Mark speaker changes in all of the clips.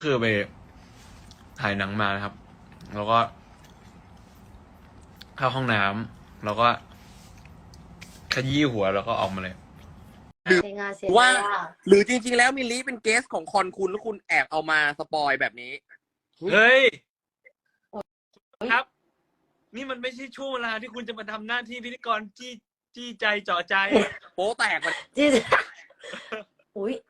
Speaker 1: คือไปถ่ายหนังมานะครับ แล้วก็เข้าห้องน้ำแล้วก็ขยี้หัวแล้วก็ออกมาเลย
Speaker 2: เสียงานเสียงาน
Speaker 3: หรือจริงๆแล้วมิลลิเป็นเกสของคอนคุณแล้วคุณแอบเอามาสปอยแบบนี้
Speaker 1: เฮ้ยครับ นี่มันไม่ใช่ช่วงเวลาที่คุณจะมาทำหน้าที่พิธีกรจี้ใจเจาะใจ
Speaker 3: โป๊แตกมัน
Speaker 2: จีอุ้ย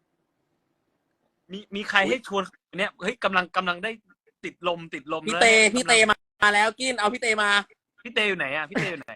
Speaker 1: มีใครให้ชวนเนี่ยเฮ้ยกำลังได้ติดลม
Speaker 3: พี่
Speaker 1: แล้ว
Speaker 3: เต
Speaker 1: นี่ย
Speaker 3: พี่เตมาแล้วกินเอาพี่เตมา
Speaker 1: พี่เตอยู่ไหนอ่ะพี่เตอยู่ไหน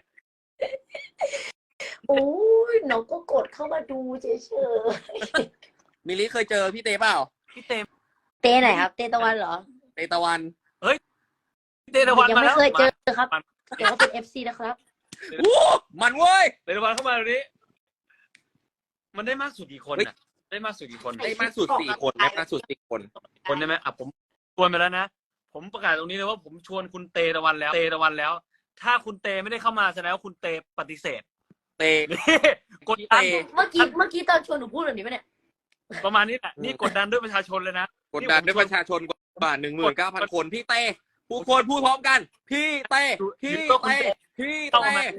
Speaker 2: โอ้ยน้องก็กดเข้ามาดูเฉย
Speaker 3: มิลลิเคยเจอพี่เตเปล่า
Speaker 1: พี่เต
Speaker 2: ๆเต้ไหนครับ เต้ตะวันเหรอ
Speaker 3: เตตะวัน
Speaker 1: พี่เตตะวัน
Speaker 2: ยัง
Speaker 1: มา
Speaker 2: ไม่
Speaker 1: แล้ว
Speaker 2: เคยเจอครับ
Speaker 1: มา
Speaker 2: เดี๋ยวเขาเป็น FC นะครับ
Speaker 3: อู้มันเว้ย
Speaker 1: เตตะวันเข้ามาตรงนี้ มันได้มากสุดกี่คนอ่ะได้มากสุดกี่คน
Speaker 3: ได้มากสุด4 คนได้มากสุด4 คน
Speaker 1: คนได้ไหมอ่ะผมชวนไปแล้วนะผมประกาศตรงนี้เลยว่าผมชวนคุณเตตะวันแล้ว ถ้าคุณเตไม่ได้เข้ามาแสดงว่าคุณเตปฏิเสธ
Speaker 3: เต
Speaker 1: นี่กดดัน
Speaker 2: เมื่อกี้ตอนชวนหนูพูดแบบนี้ปะเนี่ย
Speaker 1: ประมาณนี้แหละนี่กดดันด้วยประชาชนเลยนะ
Speaker 3: กดดันด้วยประชาชนกว่า19,000 คนพี่เตผู้คนพูดพร้อมกัน พี่เตพี่เตพี่เต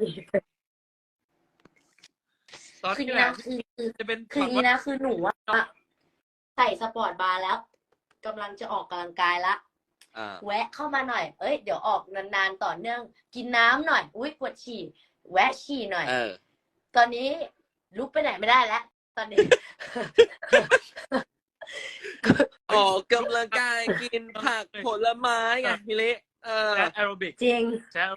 Speaker 1: ตอน
Speaker 2: คือ
Speaker 1: นี้
Speaker 2: นี่
Speaker 1: แหละ
Speaker 2: นะคือ
Speaker 1: จะเป็น
Speaker 2: คือนี่นะคือหนูอะใส่สปอร์ตบาร์แล้วกำลังจะออกกำลังกายละ แวะเข้ามาหน่อย เอ้ย เดี๋ยวออกนานๆต่อเนื่อง กินน้ำหน่อย อุ้ยปวดฉี่ แวะฉี่หน่อย ตอนนี้ลุกไปไหนไม่ได้แล้ว ตอนนี้
Speaker 3: ออกกำลังกายกินผักผลไม้ไงมิลลิ
Speaker 1: แอโรบิก
Speaker 2: จริง
Speaker 1: ใช่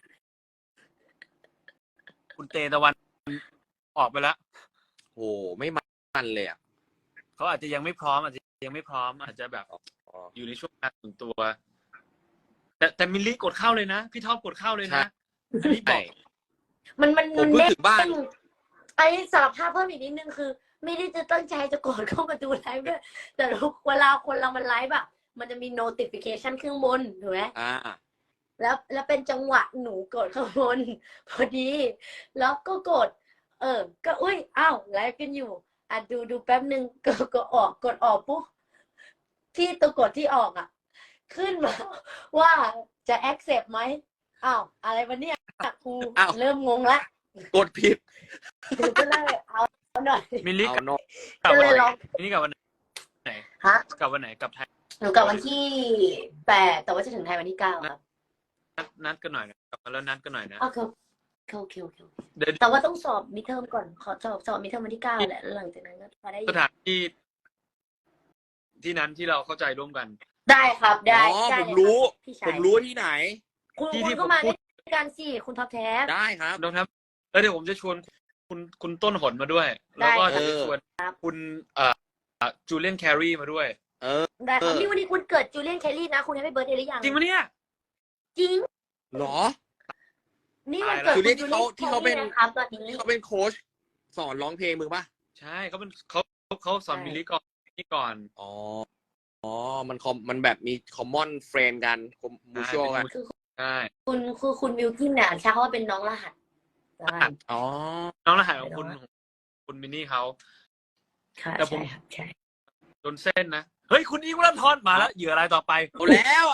Speaker 1: คุณเตตะวันออกไปแล้ว
Speaker 3: โอ้ไม่มันเลยอ่ะ
Speaker 1: เขาอาจจะยังไม่พร้อมอาจจะแบบอยู่ในช่วงการตื่นตัว แต่มิลลี่กดเข้าเลยนะพี่ท็อปกดเข้าเลยนะอันนี้บอก
Speaker 2: มัน
Speaker 3: ผมเพิ่งถึงบ้าน
Speaker 2: ไอ้สารภาพเพิ่มอีกนิดนึงคือ ไม่ได้จะตั้งใจจะกดเข้ามาดูไลฟ์ด้วยแต่เวลาคนเรามันไลฟ์อะมันจะมี notification ขึ้นบนถูกไหมแล้วเป็นจังหวะหนูกดข้างบนพอดี แล้วก็กด ก็อุ้ยอ้าวไลฟ์กันอยู่อ่ะดูแป๊บนึงก็กดออกปุ๊บที่ตัวกดที่ออกอ่ะ ขึ้นมาว่าจะ accept ไหมอ้าวอะไรวะเนี่ยครูเริ่มงงละ
Speaker 3: กดผิด
Speaker 2: หนูก็เลยเอาหน่อย
Speaker 1: มิลลี่
Speaker 3: เอา
Speaker 1: กลับ
Speaker 3: เนาะ
Speaker 1: วันไหน
Speaker 2: ก็เลยลอง
Speaker 1: นี่กลับวันไหน
Speaker 2: ฮะ
Speaker 1: กลับวันไหนกลับไทย
Speaker 2: หนูกลับวันที่8แต่ว่าจะถึงไทยวันที่9ครับ
Speaker 1: นัดกันหน่อยนะกลับมาแล้วนัดกันหน่อยนะ
Speaker 2: โอเค
Speaker 1: เดี๋ยว
Speaker 2: แต่ว่าต้องสอบมิดเทอมก่อนขอสอบมิดเทอมวันที่9แหละแล้วหลังจากนั้นก็มาได้
Speaker 1: สถานที่ที่นั้นที่เราเข้าใจร่วมกัน
Speaker 2: ได้ครับได้
Speaker 3: อ๋อ
Speaker 2: ได้
Speaker 3: ผมรู้
Speaker 2: พี่
Speaker 3: ผ
Speaker 2: ชาย
Speaker 3: มรู้ที่ไหน
Speaker 2: คุณ
Speaker 1: ที่
Speaker 2: ก็มา
Speaker 1: ผมพูด
Speaker 2: ด้วยกันสิคุณท็อปแท็
Speaker 3: ได้ครับ
Speaker 1: น้องครับแล้วเดี๋ยวผมจะชวนคุณต้นหนมาด้วย แล้วก็จะชวนคุณจูเลียนแครีมาด้วย
Speaker 2: ได้ครับนี่วันนี้คุณเกิดจูเลียนแคลรี่นะคุณให้ไปเบิร์ดเดย์หรือยัง
Speaker 1: จริงปะเนี่ย
Speaker 2: จริง
Speaker 3: หรอ
Speaker 2: นี่วันเกิด
Speaker 3: จู
Speaker 2: คุณ
Speaker 3: เลียน
Speaker 2: จูเลียน
Speaker 3: ที่เขาเป็น
Speaker 2: แคลรี่นะครับตอนนี้
Speaker 3: ที่เขาเป็นโค้ชสอนร้องเพลงมึงป่ะ
Speaker 1: ใช่เขาสอนมิลลี่ก่อน
Speaker 3: อ๋อมันแบบมี common friend กัน mutual กัน
Speaker 1: ใช่
Speaker 2: คุณมิวกินเนี่ยใช้คำว่าเป็นน้องรหัสได้
Speaker 3: อ๋อ
Speaker 1: น้องรหัสของคุณมินนี่เขา
Speaker 2: ค่ะ
Speaker 1: แต่ผม
Speaker 2: ใช่ครับใช่
Speaker 1: จนเส้นนะเฮ้ยคุณอิงวัลทอนมาแล้วเหยื่ออะไรต่อไป
Speaker 3: เอาแล้ว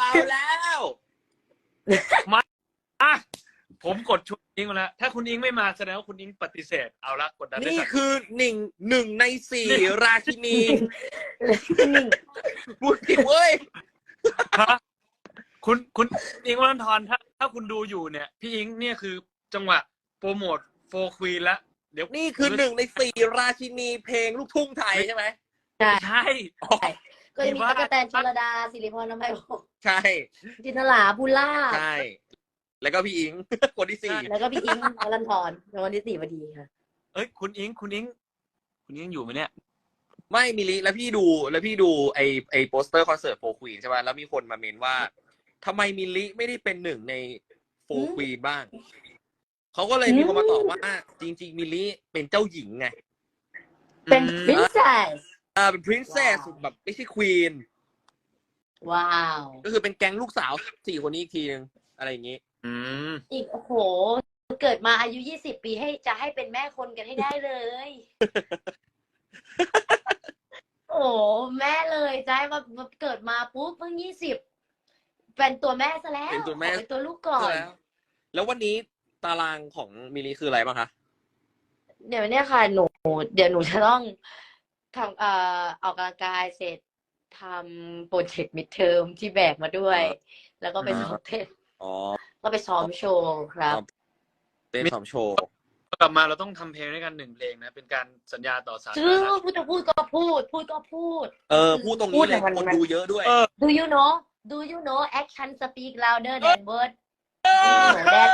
Speaker 1: อ่ะผมกดชวนอิงมาแล้วถ้าคุณอิงไม่มาแสดงว่าคุณอิงปฏิเสธเอาละกดดันได้
Speaker 3: นี่
Speaker 1: สัก
Speaker 3: คือ1 ใน 4 ราชินี
Speaker 2: นิ่ง
Speaker 3: พูดผิดเว้ย
Speaker 1: ฮะคุณอิงวัลทอนถ้าคุณดูอยู่เนี่ย พี่อิงเนี่ยคือจังหวะโปรโมทโฟร์ควีนแล้วเดี๋ยว
Speaker 3: นี่คือ1 ใน 4 ราชินีเพลงลูกทุ่งไทยใช่ไหม
Speaker 1: ใช่
Speaker 2: ก็จะมีตั๊กแตนชลดาสิริพรน้ำไพพงศ์
Speaker 3: ใช่
Speaker 2: จินตลาบุล่า
Speaker 3: ใช่ แล้วก็พี่อิง คนที่
Speaker 2: แล้วก็พี่อิงวรันทรในวันที่4พอดีค่ะ
Speaker 1: เอ้ยคุณอิงอยู่ไหมเนี่ย
Speaker 3: 4ไม่มิลิแล้วพี่ดูไอโปสเตอร์คอนเสิร์ตโฟร์ควีนใช่ป่ะแล้วมีคนมาเมนว่าทำไมมิลิไม่ได้เป็น1 ในโฟร์ควีนบ้างเขาก็เลยมีคนมาตอบว่าจริงๆมิลิเป็นเจ้าหญิงไง
Speaker 2: เป็น princess
Speaker 3: เป็น princess แบบไม่ใช่ queen
Speaker 2: ว้าว
Speaker 3: ก็คือเป็นแก๊งลูกสาว4 คนนี้อีกทีนึงอะไรอย่างงี้
Speaker 2: อีกโอ้โหเกิดมาอายุ20 ปีจะให้เป็นแม่คนกันให้ได้เลยโอ้แม่เลยใจมาเกิดมาปุ๊บเพิ่ง20เป็นตัวแม่ซะแล้ว
Speaker 3: เป็นตัวแม่
Speaker 2: ขอเป็นตัวลูกก่อน
Speaker 3: แล้ววันนี้ตารางของมิลลิคืออะไรบ้างคะ
Speaker 2: เดี๋ยวเนี่ยค่ะเดี๋ยวหนูจะต้องทำออกกำลังกายเสร็จทำโปรเจกต์มิดเทอมที่แบกมาด้วย แล้วก็ไปซ้อมเต้น
Speaker 3: อ๋อ
Speaker 2: ก็ไปซ้อมโชว์ครับ
Speaker 3: เต้นซ้อมโชว์
Speaker 1: กลับมาเราต้องทำเพลงด้วยกัน1 เพลงนะ เป็นการสัญญาต่อสาธาร
Speaker 2: ชื่อ
Speaker 1: ณะ
Speaker 2: พูดก็พูดพูด
Speaker 3: พูดตรงนี้เลย คนดูเยอะด้วย
Speaker 2: Do you know action speak louder than word เหมือนแดด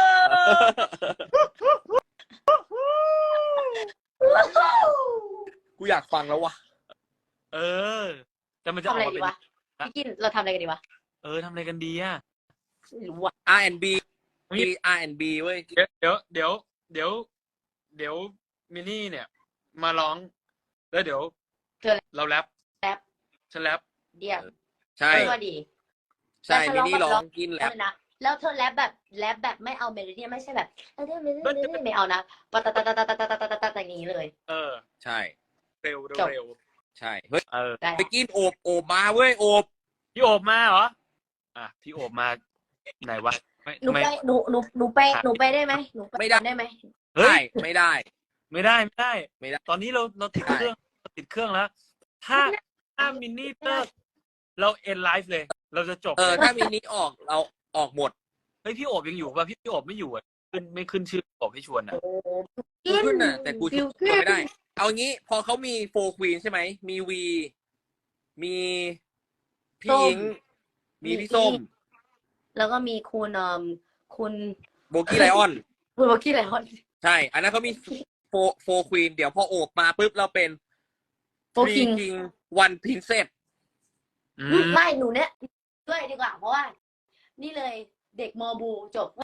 Speaker 3: กูอยากฟังแล้วว่ะ
Speaker 1: เออ แต่มันจะ
Speaker 2: ทำ
Speaker 1: ออ
Speaker 2: อะ
Speaker 1: ก
Speaker 2: ไร
Speaker 1: มา
Speaker 2: ดี
Speaker 1: เป็น
Speaker 2: วะพี่กินเราทำอะไรกันดีวะ
Speaker 1: ทำอะไรกันดีอ่ะ
Speaker 2: ไม่รู้อะ
Speaker 3: R&B R&B เว้ย
Speaker 1: เดี๋ยวมินนี่เนี่ย มาร้อง แล้วเดี๋ยวเราแรปฉันแรป
Speaker 2: เดี๋ยว
Speaker 3: ใช่
Speaker 2: ว่าดี
Speaker 3: ใช่มินนี่ร้องกินแรป
Speaker 2: นะแล้วเธอแรปแบบไม่เอาเมโลดี้ไม่ใช่แบบไม่เอานะปะตะตะตะตะตะตะตะตะอย่างนี้เลย
Speaker 3: ใช่
Speaker 1: เร็ว
Speaker 2: จบ
Speaker 3: ใช่ เฮ้ย
Speaker 2: ได้
Speaker 3: ไปกินโอบมาเว้ย โอบ
Speaker 1: พี่โอบมาเหรอ พี่โอบมาไหนวะ
Speaker 2: หนูไปได้ไหมหนูไปได้ไหม
Speaker 1: เฮ้ย
Speaker 3: ไม่ได้
Speaker 1: ไม่ได้
Speaker 3: ไม่ได้
Speaker 1: ตอนนี้เราติดเครื่องแล้ว ถ้ามินนี่เลิกเราเอ็นไลฟ์เลย เราจะจบเลย
Speaker 3: ถ้ามินนี่ออกเราออกหมด
Speaker 1: เฮ้ยพี่โอบยังอยู่ป่ะพี่โอบไม่อยู่อ่ะไม่ขึ้นชื่อโอบให้ชวนอ่ะ
Speaker 3: กูขึ้นน่ะ แต่กูชวนไม่ได้ เอางี้ พอเขามีโฟร์ควีนใช่ไหม มีวี มีพี่อิง มีพี่ส้ม
Speaker 2: แล้วก็มีคุณ
Speaker 3: โบกี้ไลออน
Speaker 2: คุณบอกกี้อะไรคน
Speaker 3: ใช่ อันนั้นเขามีโฟร์ควีน เดี๋ยวพอโอบมาปุ๊บเราเป็น
Speaker 2: โฟคิง
Speaker 3: คิงวันพินเซส
Speaker 2: ไม่หนูเนี่ยด้วยดีกว่าเพราะว่า นี่เลยเด็กมอบูจบ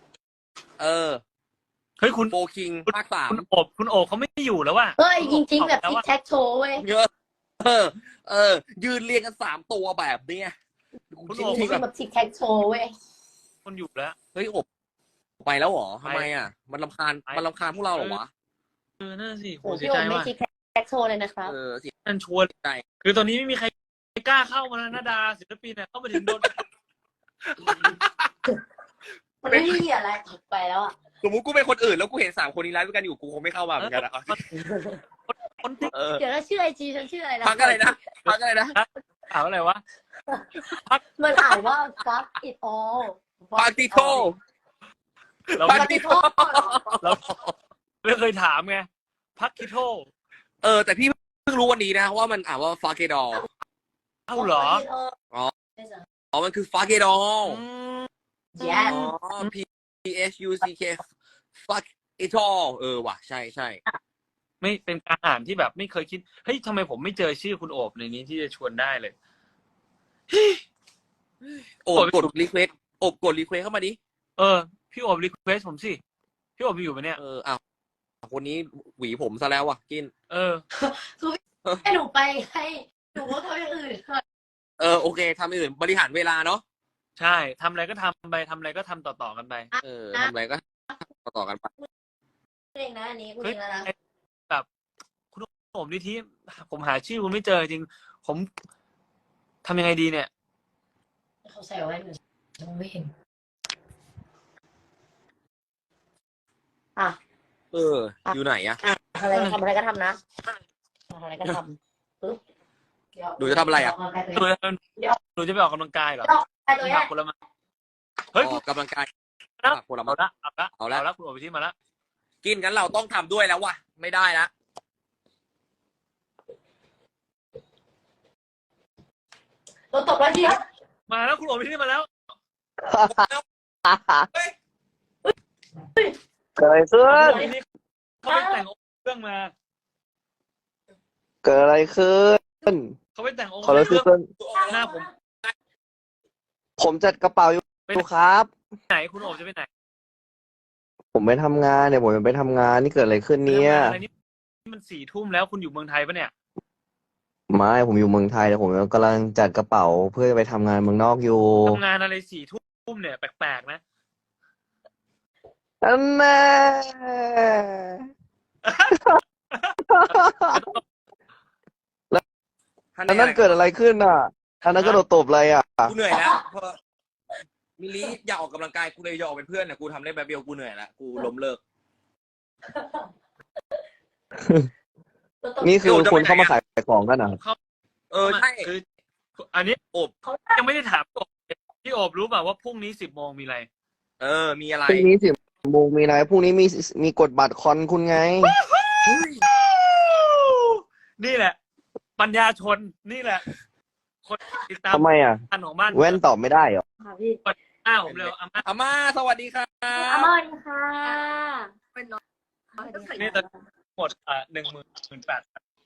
Speaker 1: เฮ้ยคุณ
Speaker 3: โฟคิงภาค 3
Speaker 1: คุณโอบเขาไม่อยู่แล้วว่ะ
Speaker 2: เฮ้ยจริงๆแบบทิกแท็กโชว์เว้ย
Speaker 3: เยอะ ยืนเรียงกัน3 ตัวแบบเนี้ย
Speaker 1: คุณ
Speaker 2: จ
Speaker 1: โอบ
Speaker 2: ริงๆแบบทิกแท็กโชว์เว้ย
Speaker 1: คนอยู่แล้ว
Speaker 3: เฮ้ยอบไปแล้วเหรอทำไมอ่ะ มันรำคาญพวกเราเหรอวะ
Speaker 1: นั่นสิโห
Speaker 2: โอ้
Speaker 1: เสี
Speaker 2: พี่
Speaker 1: ย
Speaker 2: โอ
Speaker 1: ใจ
Speaker 2: มไม่
Speaker 1: ว่ะ
Speaker 2: ทิกแท็กโชว์เลยนะครับ
Speaker 3: เสีย
Speaker 1: นั่นชวน
Speaker 3: ใจ
Speaker 1: คือตอนนี้ไม่มีใครกล้าเข้ามาแล้วนะดาศิลปินเนี่ยเข้ามาถึงโดน
Speaker 2: มันไม่มีอะไรถัดไปแล้วอ่ะ
Speaker 3: สมมติกูเป็นคนอื่นแล้วกูเห็น3 คนนี้ไลฟ์ด้วยกันอยู่กูคงไม่เข้ามาเหมือนกันนะ
Speaker 1: คนที่
Speaker 2: เดี๋ยวเราชื่อไอจีฉันชื่ออะไรนะ
Speaker 3: พักอะไรนะ
Speaker 1: ถามอะไรวะ
Speaker 2: มันอ่านว่า fuck it all
Speaker 3: ปาติโต
Speaker 1: เรา
Speaker 3: ปา
Speaker 1: ไม่
Speaker 3: ติโต
Speaker 1: เราไม่เคยถามไงพักคิโท
Speaker 3: แต่พี่เพิ่งรู้วันนี้นะว่ามันอ่านว่าฟาเกดอล
Speaker 1: เอ้าเหรอ
Speaker 3: อ๋อมันคือฟาเกดอล
Speaker 2: yes
Speaker 3: P H U C K fuck it all ว่ะใช่
Speaker 1: ไม่เป็นการอ่านที่แบบไม่เคยคิดเฮ้ยทำไมผมไม่เจอชื่อคุณโอบในนี้ที่จะชวนได้เลย
Speaker 3: โอบกดรีเควสกดรีเควสเข้ามาดิ
Speaker 1: พี่โอบรีเควสผมสิพี่โอบอยู่ปะเนี่ย
Speaker 3: อ้าวคนนี้หวีผมซะแล้วว่ะกิน
Speaker 2: ให้หนูไปให้หนูว่าทำอย่างอื่นก่อน
Speaker 3: โอเคทำอื่นบริหารเวลาเนาะ
Speaker 1: ใช่ทำอะไรก็ทำไปทำอะไรก็ทำต่อๆกันไป
Speaker 3: ทำอะไรก็ต่อกันไป
Speaker 2: เองนะอันนี้คุณเองแล้วนะ
Speaker 1: แบบคุณโอบนิธิผมหาชื่อคุณไม่เจอจริงผมทำยังไงดีเนี่ย
Speaker 2: เขาใส่ไว้หนูไม่เห็น
Speaker 3: อยู่ไหนอะ
Speaker 2: อะไรทำอะไรก็ทำนะทำอะไรก็ทำปึ๊บ
Speaker 3: หนูจะทำอะไรอะ
Speaker 1: หนูจะไปออกกำลังกายเหรอ
Speaker 2: ไอ้ตัว
Speaker 1: ห
Speaker 2: เนี้
Speaker 1: นั
Speaker 2: ย
Speaker 1: กคนละมาเฮ้ย
Speaker 3: ออกกำลังกาย ผลไม้
Speaker 1: เอาละคุณโอบนิธิมาละ
Speaker 3: กินกันเราต้องทำด้วยแล้วว่ะไม่ได้ละ
Speaker 2: เราตกแล้วทีครับ
Speaker 1: มาแล้วคุณโอบนิธิมาแล้ว
Speaker 4: เกิดอะไรขึ้น
Speaker 1: คุณโอบนิธิเขาไปแต่งองค์เครื่องมา
Speaker 4: เกิดอะไรขึ้น
Speaker 1: เขาไปแต่งองค์
Speaker 4: ขอรับ
Speaker 1: เค
Speaker 4: ซื้
Speaker 1: รื่
Speaker 4: อ
Speaker 1: อง
Speaker 4: เพิ่น
Speaker 1: หน้าผม
Speaker 4: ผมจัดกระเป๋าอยู่ครับ
Speaker 1: ไหนคุณโอบจะไปไหน
Speaker 4: ผมไปทำงานเนี่ยผมไปทำงานนี่เกิดอะไรขึ้นเนี่ย
Speaker 1: อะไรนี่มัน4 ทุ่มแล้วคุณอยู่เมืองไทยปะเนี่ย
Speaker 4: ไม่ผมอยู่เมืองไทยแต่ผมกำลังจัดกระเป๋าเพื่อจะไปทำงานเมืองนอกอยู่
Speaker 1: ทำงานอะไร4 ทุ่มเนี่ยแปลกๆนะ
Speaker 4: อันแน่
Speaker 3: ฮ
Speaker 4: อันนั้นเกิดอะไรขึ้นอ่ะอันนั้นก็โดนตบอะไรอ่ะ
Speaker 3: กูเหนื่อยแล้วเพราะมิลลิอยากออกกำลังกายกูเลยอยากออกเป็นเพื่อนเนี่ยกูทำได้แบบเดียวกูเหนื่อยแล้วกูล้มเลิก
Speaker 4: นี่คือคุณเข้ามาขายของกันเหรอ
Speaker 3: ใช่
Speaker 1: คืออันนี้โอบ
Speaker 2: เขา
Speaker 1: ยังไม่ได้ถามพี่โอบรู้เปล่าว่าพรุ่งนี้10 โมงมีอะไร
Speaker 3: มีอะไร
Speaker 4: พรุ่งนี้10 โมงมีอะไรพรุ่งนี้มีกดบัตรคอนคุณไง
Speaker 1: นี่แหละ ปัญญาชนนี่แหละ คนติดตาม
Speaker 4: ทำไมอ่ะ
Speaker 1: อันของบ้าน
Speaker 4: แว่นตอบไม่ได้เหรอ
Speaker 2: ค่ะพี่
Speaker 1: ผมเร็วอาม่า
Speaker 3: อาม่าสวัสดีครับ
Speaker 2: อาม่าดีค่ะ
Speaker 5: เป็นน้อง
Speaker 1: นี่ตอนหมด18,000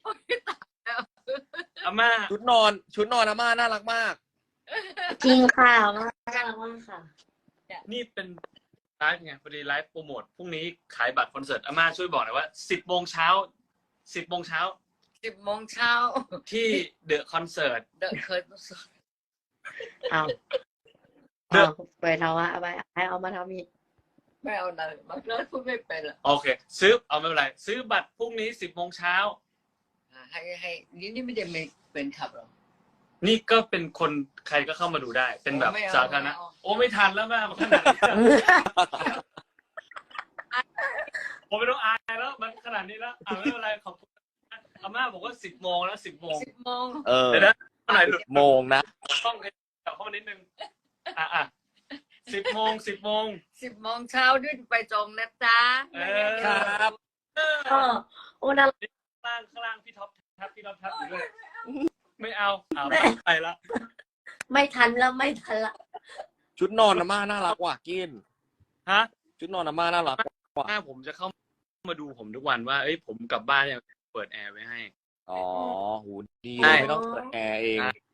Speaker 1: อาม่า
Speaker 3: ชุดนอนอาม่าน่ารักมาก
Speaker 2: จริงค่ะอาม่าน่ารักมากค่ะ
Speaker 1: นี่เป็นไลฟ์ไงพอดีไลฟ์โปรโมทพรุ่งนี้ขายบัตรคอนเสิร์ตอาม่าช่วยบอกหน่อยว่า10 โมงเช้า10 โมงเช้า
Speaker 5: 10 โมงเช้า
Speaker 1: ที่เดอะคอนเสิร์ต
Speaker 5: เดอะเคย
Speaker 2: เอาไปทำว่าไปให้เอามาทำอีก
Speaker 5: ไม่เอาเลยบางเรื่องพูดไม่เป็นหรอก
Speaker 1: โอเค ซื้อเอาไม่เป็นไรซื้อบัตรพรุ่งนี้10 โมงเช้า
Speaker 5: ให้นี่ไม่ได้เป็นขับหรอ
Speaker 1: นี่ก็เป็นคนใครก็เข้ามาดูได้ เป็นแบบ
Speaker 5: ไม่เอา
Speaker 1: สาธารณะ
Speaker 5: ไม่เอา
Speaker 1: โอ้ไม่ทันแล้วแม่มันขนาดนี้ผมไม่ต้องอายแล้วมันขนาดนี้แล้วไม่เป็นไรขอบคุณอาม่าบอกว่า10 โมงแล้ว10 โมง
Speaker 5: 10 โมง
Speaker 1: เดี๋ยวนะหน่อยหลุด
Speaker 3: โมงนะ
Speaker 1: ต้องเข้ามานิดนึง10 โมง10 โมง
Speaker 5: 10 โมงเช้าด้วยไปจองนะจ๊ะ
Speaker 3: ครับ
Speaker 2: โอ้น่ารัก
Speaker 1: ข้างล่างพี่ท็อปทับอยู่ด้วยไม่เอาไปละ
Speaker 2: ไม่ทันแล้วไม่ทันละ
Speaker 3: ชุดนอนอาม่าน่ารักว่ะกิน
Speaker 1: ฮะ
Speaker 3: ชุดนอนอาม่าน่ารัก
Speaker 1: หน้าผมจะเข้ามาดูผมทุกวันว่าผมกลับบ้านเนี่ยเปิดแอร์ไว้ให้
Speaker 3: อ๋อหูดี
Speaker 1: ใช่
Speaker 3: ไม่ต้องเปิดแอร์เอง